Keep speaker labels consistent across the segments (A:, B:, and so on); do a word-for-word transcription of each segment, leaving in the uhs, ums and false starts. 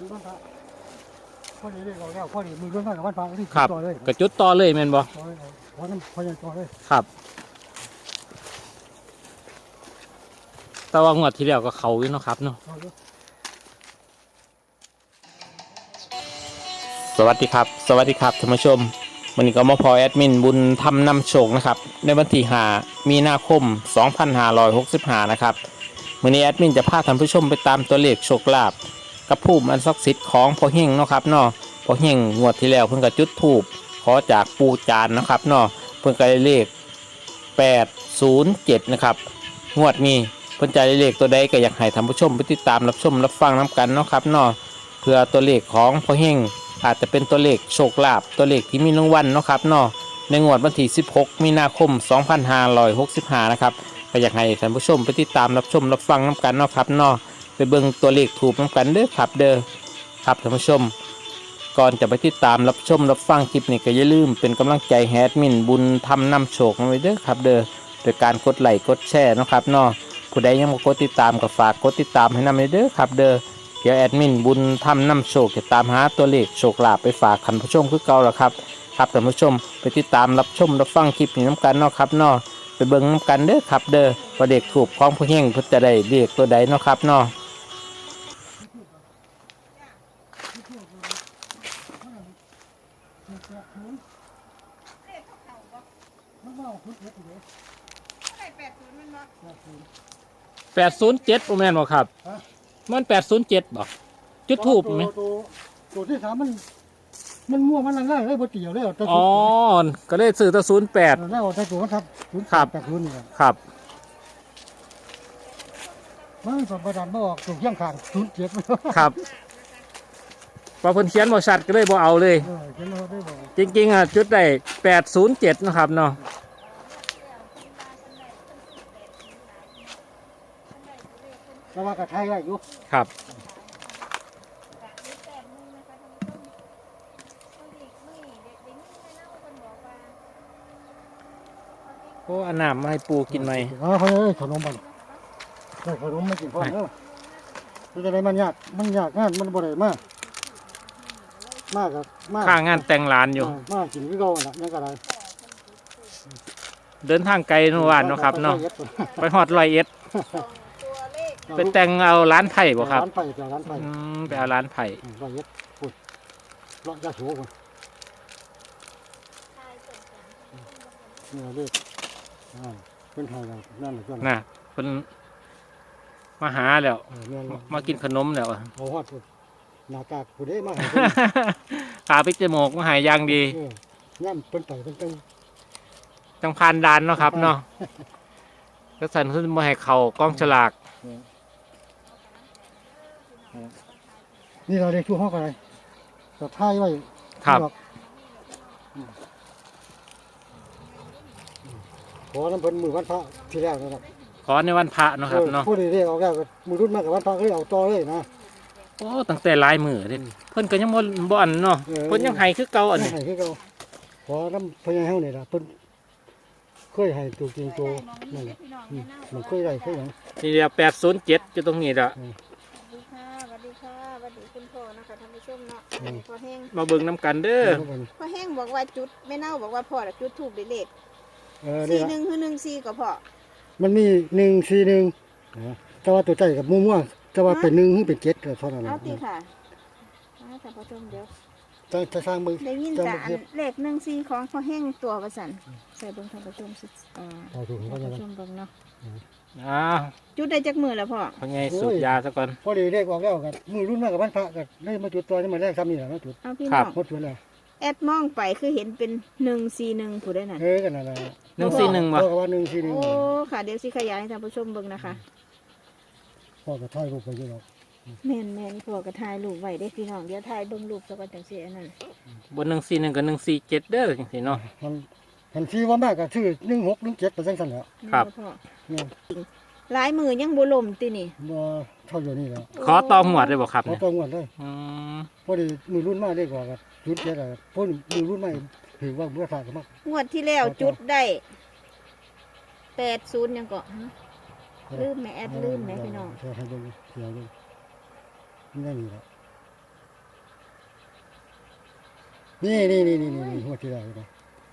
A: บ้านพระพอดีเลยเราแล้วพอดีมือรุ่นบ้านกับบ้านพระที่
B: ครับ
A: ต่อเลย
B: กระจุดต่อเลยแม่นบ่
A: ต่อเลยพอน้ำพอยังต่อเลย
B: ครับแต่ว่างวดที่แล้วก็เขาอยู่เนาะครับเนาะ
A: ต่อเลย
B: สวัสดีครับสวัสดีครับท่านผู้ชมวันนี้ก็มาพอแอดมินบุญทำนำโชคนะครับในวันที่ห้ามีนาคมสองพันห้าร้อยหกสิบห้านะครับวันนี้แอดมินจะพาท่านผู้ชมไปตามตัวเลขโชคลาภกับผู้อันศักดิ์สิทธิ์ของพ่อเฮงเนาะครับเนาะพ่อเฮงงวดที่แล้วเพิ่งก็จุดธูปขอจากปูจานนะครับเนาะเพิ่งก็ได้เลขแปดศูนย์เจ็ดนะครับงวดนี้เพิ่นจะได้เลขตัวใดก็อยากให้ท่านผู้ชมไปติดตามรับชมรับฟังน้กันเนาะครับเนาะเพื่อตัวเลขของพ่อเฮงอาจจะเป็นตัวเลขโชคลาภตัวเลขที่มีรางวัลเนาะครับเนาะในงวดวันที่สิบหกมีนาคมสองพันห้าร้อยหกสิบห้านะครับก็อยากให้ท่านผู้ชมไปติดตามรับชมรับฟังน้กันเนาะครับเนาะไปเบิ่งตัวเลขถูกน้กันเด้อครับเด้อครับท่านผู้ชมก่อนจะไปติดตามรับชมรับฟังคลิปนี้ก็อย่าลืมเป็นกำลังใจแฮดมินบุญทำนำโชคไว้เด้อครับเด้อโดยการกดไลค์กดแชร์เนาะครับเนาะผู้ใดยังไม่กดติดตามก็ฝากกดติดตามให้นำเด้อครับเด้อเดี๋ยวแอดมินบุญทำนำโชคจะตามหาตัวเลขโชคลาภไปฝากท่านผู้ชมคือเก่าแล้วครับครับท่านผู้ชมไปติดตามรับชมรับฟังคลิปนี้น้ำกันเนาะครับเนาะไปเบิ่งน้ำกันเด้อครับเด้อว่าเด็กถูกของผู้เฮงเพิ่นจะได้เลขตัวใดเนาะครับเนาะ
A: มันว่าพุทธเฮ็ดอยู่เลย
B: แปดศูนย์เจ็ดโอแมนบอกครับมันแปดศูนย์เจ็ดบอกจุดทูบไหม
A: ตัวตัวที่สามมันมันมั่วมันล่างๆเลยบ่เกี่ยวเลยเอาแต่
B: อ๋อก็เลยซื้อตัวศูนย์แปด
A: แล้วเอาแต่ตัวมันทับศูนย์
B: ครับ
A: แปดศูนย์นี่ครับ
B: ครับ
A: มันสมประดันมาออกถูกเยี่ยงขางศูนย์เจ็ด
B: ครับพอเพิ่นเขียนบอชัดก็เลยบอเอาเลย
A: เออเขียนเอาได้บ่
B: จริงๆอ่ะจุดได้แปดศูนย์เจ็ดนะครับเนาะ
A: แต่ว่ากระไทยได้อยู่
B: ครับโอ้อันน้ำมาให้ปูกินไหม
A: อ๋อเฮ้ยขนมบันได้ขนมไม่กินพร้อมเด้อมันจะได้มันยากมันยากงานมันบ่ได้มากมากครับมาก
B: ข้างงานแต่งร้านอยู่
A: มากกินคือเก่าน่ะยังก็ได้
B: เดินทางไกลเมื่อวานเนาะครับเนาะไปฮอดร้อยเอ็ดไปแต่งเอาร้านไผ่บ่ครับ
A: ร้านไผ่จากร้านไผ่
B: อืมไปเอาร้านไผ่
A: ร้อยเอ็ดพูดเลาะยาสูบนี่เราเรียกอ่าเป็นไทยเรานั่นแหละเพื่อน
B: น่ะเพิ่นมาหาแล้ว
A: เออเนี่ย
B: มากินขนมแล้วอะ
A: เอาฮอดพูดหน้ากากผู้ใดมาให้
B: ขาพิจมูกมาหายอย่างดี
A: เออย่ำเป็นไต่เป็นตั้ง
B: จังพานดานเนาะครับเนาะก็สั่นขึ้นมาให้เขากล้องฉลาก
A: นี่เราเรียกชั่วห้องอะไรแต่ท้ายไว้
B: ครับ
A: ขอน้ำเพิ่นมือวันพระที่แรกนะครับ
B: ขอในวันพระเนาะครับเนาะ
A: ผู้ใดเรียกเอาแล้วก็มือรุ่นมากกับวันพระก็เลยเอาต่อเลยนะ
B: โอ้ตั้งแต่หลายมือเด้เพิ่นก็ยังบ่บ่อันเนาะ
A: เออ
B: เพิ่นยังให้คือเก่าอัน
A: ไม่
B: นี้
A: ให้คือเขาขอน้ำพญาเฮานี่ล่ะเพิ่นเคยให้ตัวจริงตัวนั่นแหละอืมมันเคยได้เคยหยัง
B: นี่เดียวแปดศูนย์เจ็ดอยู่ตรงนี้ละ
C: สวัสดีค่ะสวัสดีค่ะสวัสดีคุณพ่อนะคะท่านผู้ชมเนาะพ่อแห้ง
B: มาเบิ่งน้ำกันเด้อ
C: พ่อแห้งบอกว่าจุดไม่เน่าบอกว่าพ่อน่ะจุดถูกได้เลข
A: เออนี่
C: สี่
A: ล่ะ
C: หนึ่งคือหนึ่งสี่ก็พ่อ
A: มันมีหนึ่งสี่หนึ่งแต่ว่าตัวใจกับมั่วๆแต่ว่าเป็นหนึ่งหรือเป็นเจ็ดก็เท่านั้น
C: เอา
A: นะ
C: ตีค่ะเอาท่านผู้ชมเดี๋ยว
A: จะจะสร้างมือ
C: ได้ยิน
A: จะ
C: แต่
A: มา
C: อั
A: เฮ็
C: น
A: ด
C: เลขหนึ่งสี่ของพ่อแห้งตัวประสันใส่เบิ่งท่านผู้ชมสิอ่า
A: เอาถูก
C: ท่าน
A: เขาจะ
C: ผู้ชมเบิ่งเนาะ
B: อ้าว
C: จุดได้จักมือแล้วพ่อ
B: พอไงสูบยาซะก่อน
A: พอดีเรียกออกแล้วกันมือรุ่นมากกับบ้านพระกันได้มาจุดตัวนี่มาแรกซ้ำนี่แหละมาจุด
C: เอาพี่
B: ครั
C: น้
B: บ
C: อง
A: หมดจุดแล้ว
C: แอดมองไปคือเห็นเป็นหนึ่งสี่หนึ่งผู้ได้นั่น
A: เออกันนั่นแหละ
B: หนึ่งสี่หนึ่งวะ
A: พ่อก็ว่าหนึ่งสี่หนึ่ง
C: โอ้ค่ะเดี๋ยวสิขยายให้ท่านผู้ชมเบิ่งนะคะ
A: พ่อก็ถ่ายรูปไปอยู่หรอก
C: แม่นแม่นพ่อก็ถ่ายรูปไว้ได้พี่น้องเดี๋ยวถ่ายเบิ่งรูปซะก่อนจังซี่อันนั้น
B: บนหนึ่งสี่หนึ่งกับหนึ่งสี่เจ็ดเด้อจังซี่เนาะ
A: มันมันที่ว่ามากก็ชื่อหนึ่งหกหนึ่งเจ็ดเปอร์เซ็นต์สั่นแหล้ว
B: ครับ
C: พ่อ
A: เนี่ย
C: หลายมือยังบ่ล่มตินี่
A: บ่เท่าอยู่นี่แล้ว
B: ขอตองหวดเลยบอกครับ
A: เขา
B: เนี่ย
A: ต้องงวดเลย
B: อืม
A: พอดีมือรุ่นมากได้กว่ากับจุดเจ็ดอะพวกมือรุ่นใหม่ถือว่าเบื่อฝากกันมาก
C: งวดที่แล้วจุดได้แปดศูนย์ยังก็ฮะลืมแม่แอดลืมแม่พี่น้อง
A: ใช่ให้ดูเสียดูนี่ได้นี่แหละนี่นี่นี่นี่นี่หัวที่แล้วนะ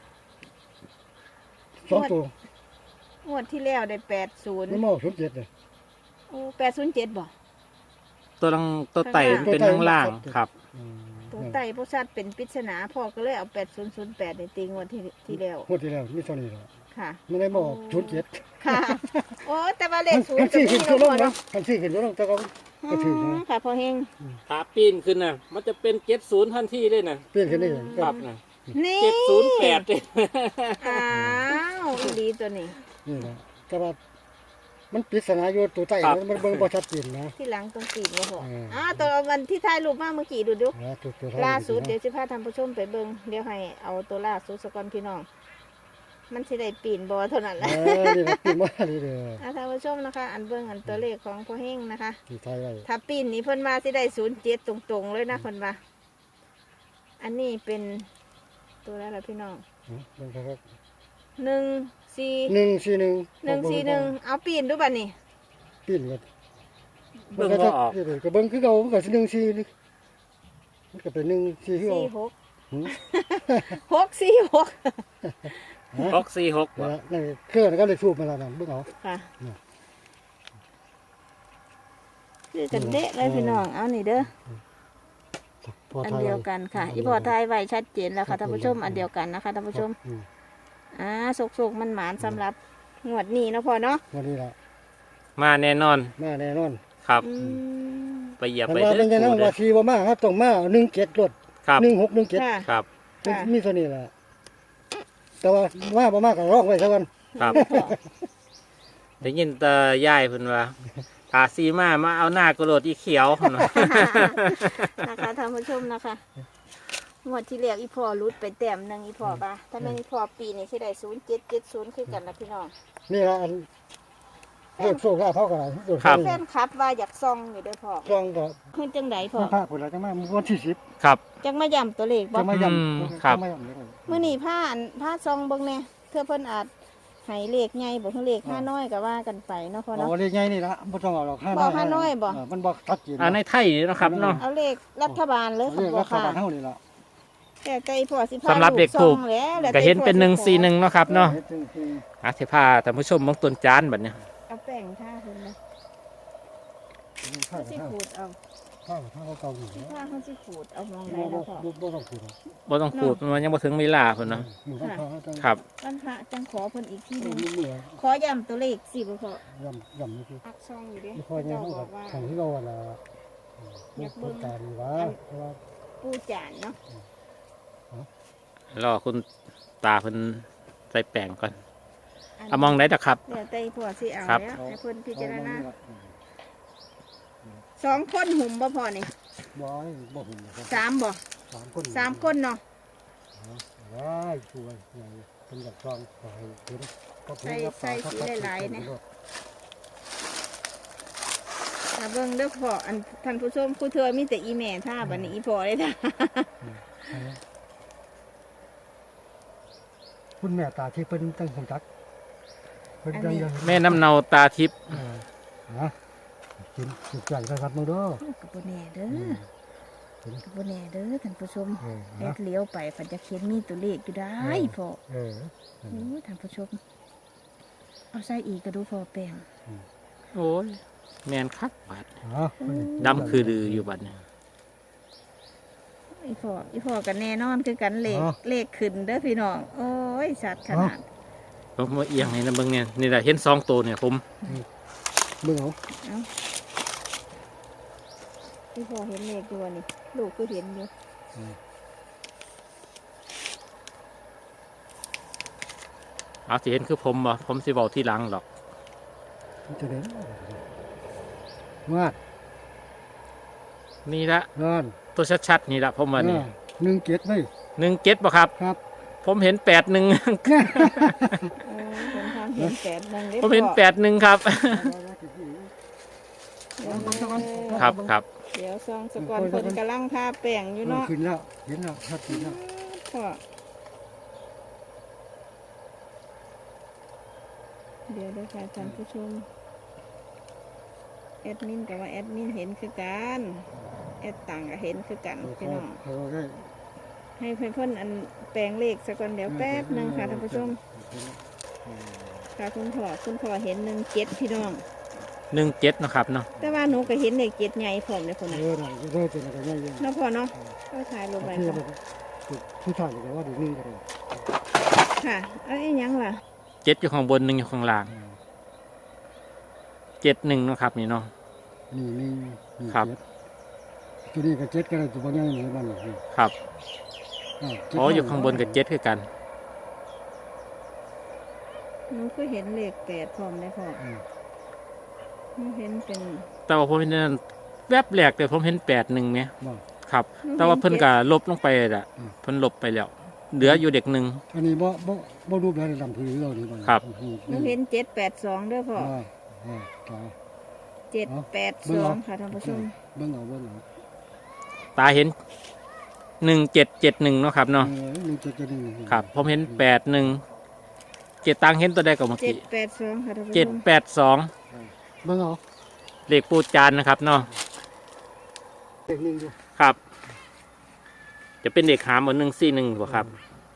A: สองตัว
C: งวดที่แล้วได้แปดศูนย์
A: นี่หม้อชุดเจ็ดเลย
C: โอ้แปดศูนย์เจ็ดบ่
B: ตัวลังตัวไต่มันเป็นข้างล่างครับ
A: อืม
C: ตัวไต่พวกชัดเป็นปริศนาพ่อก็เลยเอาแปดศูนย์ศูนย์แปดในตีงวดที่ที่แล้ว
A: หัวที่แล้วมีเท่านี้แหละ
C: ค่ะ
A: ไม่ได้หม้อชุดเจ็ด
C: ค่ะ โอ้แต่ว่าเลขศูน
A: มั
C: ย์
A: น
C: กับ
A: สี่
C: ที่
A: ขึ้น
C: เรา
A: ตัวล
C: พ
A: ง
C: อ
A: นะ
C: เนาะ
A: มันสี่ขึ้นตัวลงแต่ก็ก็ถือ
C: อื
A: นะ
C: มค่ะพอเฮง
B: ขาปีนขึ้นนะมันจะเป็นเจ็ดศูนย์ทันทีเลยนะ
A: เปลี่ยนขึ้นได้เลย
B: ครับนะ
C: นี่
B: เจ็ดศูนย์แปดเลย
C: อ้าวอีดีตัวนี้
A: นี่นะแต่ว่ามันปริศนาอยู่ตัวใต้มันเบิ่งบ่ชัดเจนนะ
C: ที่หลังตรงตีนว่าพอ
A: เอออ่
C: อ่าตัววันที่ถ่ายรูปมาเมื่อกี้ดูดู
A: นะตัวตัว
C: ล่าสุดเดี๋ยวจะพาท่านผู้ชมไปเบิ่งเดี๋ยวให้เอาตัวล่าสุดสกอนพี่น้อง มันสิได้ปีนบ่เท่านั้นแห
A: เอ
C: ละ
A: อนี่นะปีนมานี่เด้อ
C: อ่าท่านผู้ชมนะคะ อันเบิ่งอันตัวเลขของพ่อเฮงนะคะ
A: ที่ไทยไว้
C: ถ้าปีนนี้เพิ่นมาสิได้ศูนย์เจ็ดตรงๆเลยนะเพิ่นว่าอันนี้เป็นตัวอะไรล่ะพี่น้อง
A: เนาะเบิ่งครับ
C: หนึ่งสี่
A: หนึ่งสี่หนึ่ง
C: หนึ่งสี่หนึ่งเอาปีนดูบัดนี้
A: ปีนกัน
B: เบิ่งบ่ออก
A: ก็เบิ่งคือเก่ามันก็สิหนึ่งสี่นี่มันก็เป็นหนึ่งสี่คือเก่า
C: สี่หก
A: หืม
C: หกสี่หก
B: หกสี่หก
A: นั่นแหละนั่นเครื่องก็เลยสูบมาแล้วนั่นเบิ่งเอา
C: ค่ะ
A: เนี่ย
C: คือกันเดะเลยพี่น้องเอานี่เด้อ
A: พอ
C: อัน
A: ไทย
C: เดียวกันค่ะ อีพอไทยไว้ชัดเจนแล้วค่ะท่านผู้ชมอันเดียวกันนะคะท่านผู้ชม
A: อืม
C: อ่าสุกๆมันหมานสำหรับงวดนี้เนาะพ่อเนาะ
A: วันนี้ล่ะ
B: มาแน่นอน
A: มาแน่นอน
B: ครับ
C: อืม
B: ไปเหยียบ
A: มัน
B: ไป
A: ว่า
B: เด้
A: เป็นจังนั้น
B: อ
A: ว่าสีบ่มาครับต้องมาหนึ่งเจ็ดรถ
B: ครับ
A: หนึ่งหกหนึ่งเจ็ด
C: ค่ะ
B: ครับ
C: ค่ะ
A: มีเท่านี้ล่ะแต่ว่ามาบ่มาก็ร้องไว้ซะก่อน
B: ครับได้ยินแตายายเพิ่นว่าตาซีมามาเอาหน้ากระโดดอีเขียวเพิ่นว่า
C: นะคะท่านผู้ชมนะคะงวดที่แล้วอีพอรุดไปแต้มหนึ่งอีพอปะถ้าแม่นอีพอปีนี้ที่ได้ศูนย์เจ็ดเจ็ดศูนย์คือกันนะพี่น้อง
A: นี่ล่ะอันโลดโซ่ก็เท่ากันล่ะโลด
B: ครับ
C: แฟนคลับว่าอยากซองอยู่เด้วยพ่อ
A: ซองก็
C: ขึ้นจังไดพ่อ
A: มาพาพุ่นล่ะจังมาวันที่สิบ
B: ครับ
C: จังมาย่ำตัวเลขบ่
A: จังมาย่
B: อืม
A: ำ
B: ครับ
A: จังมาย่ำเลย
C: มื้อนี้ผ้าอันผ้าซองเบิ่งแน่เพื่อเพิ่นอาจให้เลขใหญ่บ่คือเลขห้าน้อยก็ว่ากันไปเนาะพ่อ
A: เอา
C: เนาะ
A: เลขใหญ่นี่ล่ะบ่ต้องเอาหรอกห้า
C: บ่ห้าน้อยบ่
A: เมันบ่ชัดเจน
B: อ่าในไทยนี่เนาะครับเนาะ
C: เอาเลขรัฐบาลเลย
A: เรียก
C: บ่
A: รัฐ
C: ค่ะ
A: บาลเฮานี่ล่ะ
C: แต่ใจพ่อสิพา
B: สำหรับเด็ก
C: ซ
B: ถู
C: อก งแล้วแล้ว
B: ก็เห็นเป็นหนึ่งสี่หนึ่งเนาะครับเนาะ
A: ฮ็ดจังซี่
B: อาสิพาท่านผู้ชมเบางต้นจานบัดเนี้ย
C: เอาแป้งทาเพิ่นเลย
A: ข้า
C: เขาสิ
A: ข้า
C: ขูดเอา
A: ข้าวข้าวเก่าอยู่
C: สิพาเขาสิขูดเอามอง
A: บ่
C: ได้
A: บ่
C: แล้วพ่อ
A: บ่บ่ต้องพูด
B: บ่ต้องขูดมันยังบ่ถึงเวลาเพิ่นเนาะ
A: หมู่บ้านเขาจัง
B: ครับ
C: วันพระจังขอเพิ่นอีกทีหนึง
A: มีเมื่อ
C: ขอย้ำตัวเลขสิบ่พ่อย
A: ำยำนี่คือ
C: อักซองอยู่เด้
A: ไม่ค่อยเนี่ย
C: เจ้า
A: เขา
C: บ
A: กั
C: อบ กว่า
A: ทางที่เราน่ะพูดการว่าเพราะว่า
C: ปูจานเนาะ
B: รอคุณตาเพิ่นใส่แป้งก่อนเอามองได้ดอกครับ
C: เดี๋ยวแต่พ่อสิเอา
B: ครับ
C: แล้วให้เพิ่นพิจารณา
A: เอ
C: สองคนหุ่มบ่พอนี่
A: บ่ให้บ่หุ่นนะครับ
C: สามบ่
A: สามคน
C: สามคนเนาะ
A: ว้ายช่วยใหญ่เป็นแบบซองขอให้เห็นก็เพิ่นรับปากครับ
C: ถ้าเบิ่งเด้อพ่ออันท่านผู้ชมผู้เธอมีแต่อีแม่ท่าบัดนี้อีพ่อเลยท่า
A: คุณแม่ตาที่เพิ่นตั้งคงจักเพิ่นยังยัง
B: แม่น้ำเนาตาทิพย์
A: เออนะกินสุดใจนะครับมึงเด้อ
C: กับบ่แน่เด้อ
A: เห็น
C: กับบ่แน่เด้อท่านผู้ชม
A: เออ
C: แอ
A: นะ
C: ดเลี้ยวไปเพันจะเขียนมีตัวเลขอยู่ได้พ่อ
A: เออ
C: โอ้ยท่านผู้ชมเอาใส่อีกก็ดูพอแป้ง
B: โอ้ยแม่นคักบาด
A: อ๋อ
B: ดำคือดืออยู่บัดเนี้
C: อีพ่ออีพ่อกันแน่นอนคือกันเลขเลขขึ้นเด้อพี่น้องโอ้ยสัตว์ขนาด
B: ผมมาเอียงให้นะเบิ่งเนี่ยนี่แหละเห็นสองตัวเนี่ยผม
A: มึงเอา
C: เอาอีพ่อเห็นเลขตัวนี่ลูกก็เห็นอยู่
B: เอาสิเห็นคือผมบ่ผมสิเว้าที่หลังหรอก
A: จะเด่นมาก
B: นี่ละ
A: นอน
B: ตัวชัดๆนี่ละผมว่านี่
A: หนึ่งเจ็ดไหม
B: หนึ่งเจ็ดบ่ครับ
A: ครับ
B: ผมเห็นแปดหนึ่ง
C: โอ้ยผมทำเห็นแปดหนึ่งด้อ
B: ผมเห็น
C: พ่อ
B: แปดหนึ่งครับ
C: เดี๋ยว
B: ครับครับ
C: เดี๋ยวซองสกอนคนกำลังทาแป้งอยู่เนาะ
A: ขึ้นแล้วเห็นแล้วชัดเจนแล้ว
C: พ่อเดี๋ยวเดี๋ยวค่ะท่านผู้ชมแอดมินกับว่าแอดมินเห็นคือกันแอดต่างก็เห็นคือกันพี่น้อง
A: เขาได้
C: ให้เพื่อนๆอันแปลงเลขสักก่อนเดี๋ยวแป๊บหนึงค่ะท่านผู้ชมค่ะคุณพ่อคุณพ่อเห็นหนึ่งเจ็ดพี่น้อง
B: หนึ่งเจ็ดนาะครับเนาะ
C: แต่ว่าหนูก็เห็นเลขเจ็ดใหญ่พร้อมเลยคน
A: เอ
C: น่ะ
A: อได้ได้เป็นอะไรง่ายๆ
C: เนาะพ่อเนาะก็ถ่ายลงไป
A: ที่
C: ค่ะ
A: ผู้ชายก็ว่าดีนี่ก็ได้
C: ค่ะเอ้ยยังล่ะ
B: เจ็ดอยู่ข้างบนหนึ่งอยู่ข้างล่างเจ็ดหนึ่งนาะครับนี่เนาะ
A: นี่นี่นี่
B: ครับ
A: ตัวนี้ก็เจ็ดก็ได้ตัวบ่ใหญ่นี่บ้านนี่
B: ครับ
A: อ่าเจ็ด
B: อ๋ออยู่ข้างบนกับเจ็ดคือกัน
C: หนูก็เห็นเลขแปดพร้อมเลยพ่อ
A: อืม
C: หนูเห็นเป็น
B: แต่ว่าผมเห็นนั่นแวบแรกแต่ผมเห็นแปดหนึ่งไหม
A: ว่า
B: ครับ แต่ว่าเพิ่นก็ลบลงไปอ่ะ
A: อืม
B: เพิ่นลบไปแล้ว เหลืออยู่เด็กหนึ่ง
A: อันนี้บ่บ่บ่รูปแบบดำพื้นเรานี่บ้าน
B: ครับ
C: หนูเห็นเจ็ดแปดสองเด้อพ่อ
A: อ่าอ่าตา
C: เจ็ดแปดสองค่ะท่านผู้ชม
A: เบิ่งเอาเบิ่งเอา
B: ตาเห็นหนึ่งเจ็ดเจ็ดหนึ่งเนาะครับเนาะ
A: เออนี่เจ็ดจะนี่
B: ครับ ผมเห็นแปดหนึ่งเจ็ดตังเห็นตัวใดกับเมื่อ
C: เจ็ด
B: กี้
C: แปดสองค่ะท่านผู้ช
B: เจ็ด
C: ม
B: แปดสอง
A: เบิ่งเอา
B: เลขปูจานนะครับเนาะ
A: เด็กหนึงอยู่
B: ครับ จะเป็นเด็กหามเหมือนหนึ่งสี่หนึ่งบ่ครับ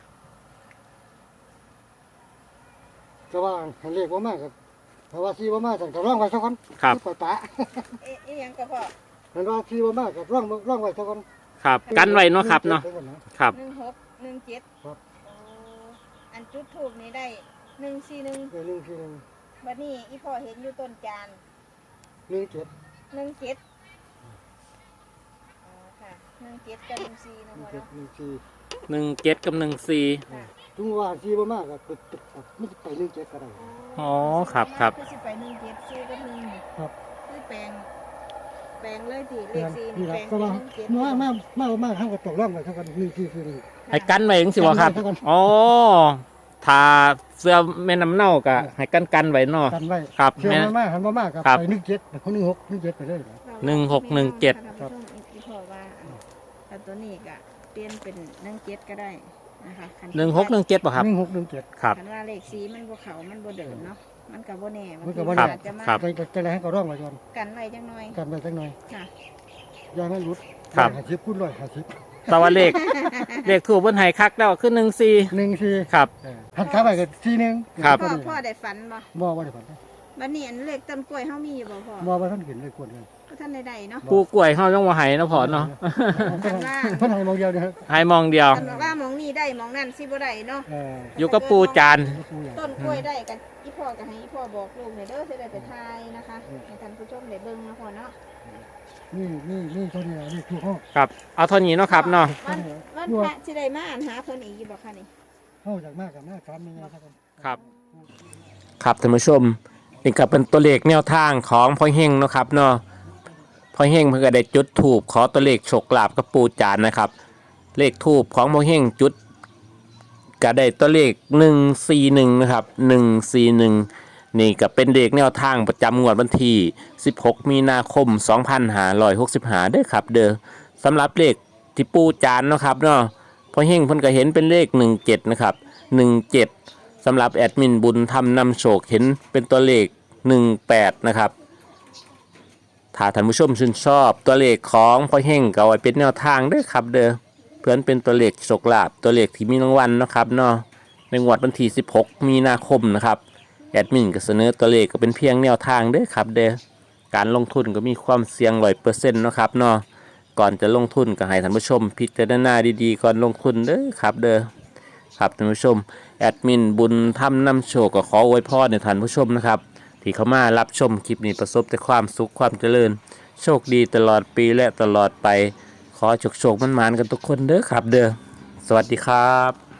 A: ก็ว่าให้เลขบ่มากครับเพราะว่าซีบ่มากสั่งก็ร่องไว้ซะก่อน
B: ครับ
A: ปล่อยปะ
C: เอ๊ะอีหยังก็พ่อ
A: เห็นว่าซีบ่มากก็ร่องร่องไว้ซะก่อน
B: ครับ กันไว้เนาะครับเนาะ ครับ
C: หนึ่งหกหนึ่งเจ็ด
A: ครับ
C: โอ้อันจุดถูกนี้ได้หนึ่งสี่หนึ่ง
A: เออหนึ่งสี่หนึ่ง
C: บัดนี้อีพ่อเห็นอยู่ต้นจาน
A: หนึ่งเจ็ด
C: หนึ่งเจ็ดอ๋อค่ะหนึ่งเจ็ดกับหนึ่งสี่
A: ห
C: นะ
A: นึ่ง
C: พ่อ
A: เจ็ด
C: เนาะ
A: หนึ่งสี่
B: หนึ่งเจ็ดกับหนึ่งสี่
C: ค่ะ
A: ถึงว่าซีบ่มากก็ติดติดไม่ไปหนึ่งเจ็ดก็ได้
B: อ๋อครับครับ
C: คือสิไปหนึ่งเจ็ดสี่กับหนึ่งนี่
A: ครับ
C: คือแปลงแปลงเลยที่เลขสี่
A: นี่
C: นี่
A: แห
C: แป
A: ละ
C: ลง
A: ก็
C: เป็น
A: ว่า
C: หนึ่งเจ็ด
A: มามามามาเฮาก็ตกร่องไว้ซะก่อนหนึ่งสี่คือหนึ่ง
B: ให้กันไว้ยังสิวะครับ
A: กันไว้ซะก่อน
B: อ๋อทาเสื้อแม่น้ำเน่ากะให้กันกันไว้เนาะ
A: กันไว้
B: ครับ
A: เชื่อ
B: แม่
A: มามาหันบ่มากก็
B: ครับ
A: ไปหนึ่งเจ็ดเขาหนึ่งหกหนึ่งเจ็ดไปเลย
B: หนึ่งหกหนึ่งเจ็ด
C: ครับอีพ่อว่าแต่ตัวนี้ก็เปลี่ยนเป็นหนึ่งเจ็ดก็ได้นะคะคั
B: หนึ่งหกหนึ่งเจ็ดป่ะครับ
A: หนึ่งหกหนึ่งเจ็ด
B: ครับ
C: คันว่าเลขสีมันบ่เขามันบ่เดินเนาะมันก็บ่แน่
A: มันก็บ่
C: บาง
A: แน่
C: ทีอาจจะมา
B: ครับ
A: ไปจะอะไรให้ก็ร่องไว้ก่อน
C: กันไว้จังหน่อย
A: กันไว้สักหน่อย
C: ค่ะ
A: อย่าให้หลุด
B: ครับ
A: หาชิปพูดร้อยหาชิป
B: แต่ว่าเลข เลขถูกบนไห้คักแล้วขึ้นหนึ่งสี่
A: หนึ่งสี่
B: ครับ
A: เออหันขาไปก็สี่หนึ่ง
B: ครับ
C: พ่อพ่อได้ฝันบ่
A: บ่ว่าได้ฝัน
C: บัดนี้อันเลขต้นกล้วยเฮามีอยู่บ่พ่อ
A: บ่ว่าท่านเห็นเลยควรกัน
C: ก็ท่านได้ๆเนาะ
B: ปูกล้วยเขาต้องมาไห้เนาะพอเนาะ
A: เพิ่นให้เพิ่นให้มองเดียวเด้อครับ
B: ไห้มองเดียว
C: คันบอกว่าหมองนี้ได้หมองนั้นสิบ่ได้เนาะ
A: เออ
B: อยู่กับปูจาน
A: ก็ปูอย่าง
C: ต้นกล้วยได้กันอีพ่อก็ให้อีพ่อบอกลูกให้เด้อสิได้ไปทายนะคะให้ท่านผู้ชมได้เบิ่งนะพ่อเนาะ
A: นี่นี่นี่เท่านี้ล่ะนี่คือห้อง
B: ครับ เอาเท่านี้เนาะครับเนาะ
C: วันวันพระสิได้มาอ่านหาเพิ่นอีกอยู่บ่คะนี่
A: ห้องจากมากกับมากสามยังไงครับ
B: ครับ ครับท่านผู้ชมนี่ก็เป็นตัวเลขแนวทางของพ่อเฮงเนาะครับเนาะพ่อเฮงเพิ่งก็ได้จุดถูกขอตัวเลขโชคลาภกับปูจานนะครับ เลขทูบของพ่อเฮงจุดก็ได้ตัวเลขหนึ่งสี่หนึ่งนะครับหนึ่งสี่หนึ่งนี่ก็เป็นเลขแนวทางประจำงวดวันที่สิบหกมีนาคมสองพันห้าร้อยหกสิบห้าเด้อครับเด้อสำหรับเลขที่ปูจานเนาะครับเนาะพ่อเฮงเพิ่นก็เห็นเป็นเลขหนึ่งเจ็ดนะครับหนึ่งเจ็ดสำหรับแอดมินบุญทำนำโชคเห็นเป็นตัวเลขหนึ่งแปดนะครับถ้าท่านผู้ชมชื่นชอบตัวเลขของพ่อเฮงก็เอาไว้เป็นแนวทางเด้อครับเด้อเพื่อนเป็นตัวเลขโชคลาภตัวเลขที่มีรางวัลเนาะครับเนาะในงวดวันที่สิบหกมีนาคมนะครับแอดมินก็เสนอตัวเลขก็เป็นเพียงแนวทางเด้อครับเด้อการลงทุนก็มีความเสี่ยงร้อยเปอร์เซ็นต์นาะครับเนาะก่อนจะลงทุนก็ให้ท่านผู้ชมพิจารณาดีๆก่อนลงทุนเด้อครับเด้อครับท่านผู้ชมแอดมินบุญทำนำโชคก็ขออวยพรในท่านผู้ชมนะครับที่เข้ามารับชมคลิปนี้ประสบแต่ความสุขความเจริญโชคดีตลอดปีและตลอดไปขอโชคโชคมันๆกันทุกคนเด้อครับเด้อสวัสดีครับ